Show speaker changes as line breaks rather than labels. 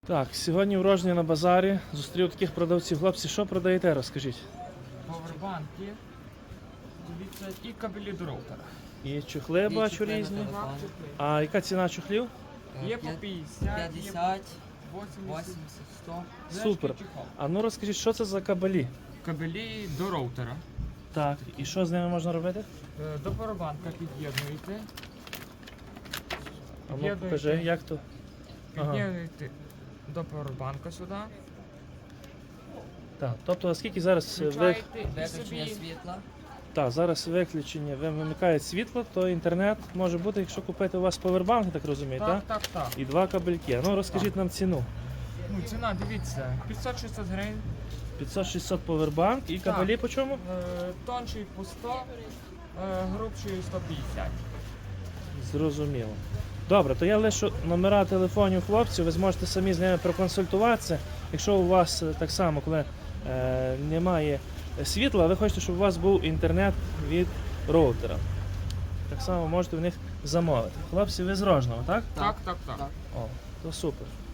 Так, сьогодні в Рожні на базарі зустрів таких продавців. Хлопці, що продаєте, розкажіть?
Повербанки, дивіться, і кабелі до роутера.
І чохли бачу різні. А яка ціна чохлів?
Є по 50,
50,
80.
80, 100.
Супер. А ну розкажіть, що це за кабелі?
Кабелі до роутера.
Так, і що з ними можна робити?
До повербанка під'єднуєте.
А ну покажи, як то? Ага.
Під'єднуєте до повербанка сюди.
Так, тобто, оскільки зараз
Включаєте і
Виключення
собі
світла.
зараз виключення, вимикає світло, то інтернет може бути, якщо купити у вас повербанк, я так розумію, так?
Так.
І два кабельки. Ну розкажіть нам ціну.
Ну, ціна, дивіться, 500-600 гривень.
500-600 повербанк і кабелі по чому?
Тонший по 100, грубший 150.
Зрозуміло. Добре, то я лишу номера телефонів хлопців, ви зможете самі з ними проконсультуватися. Якщо у вас так само, коли немає світла, ви хочете, щоб у вас був інтернет від роутера. Так само можете в них замовити. Хлопці, ви з Рожного, так?
Так.
О, то супер.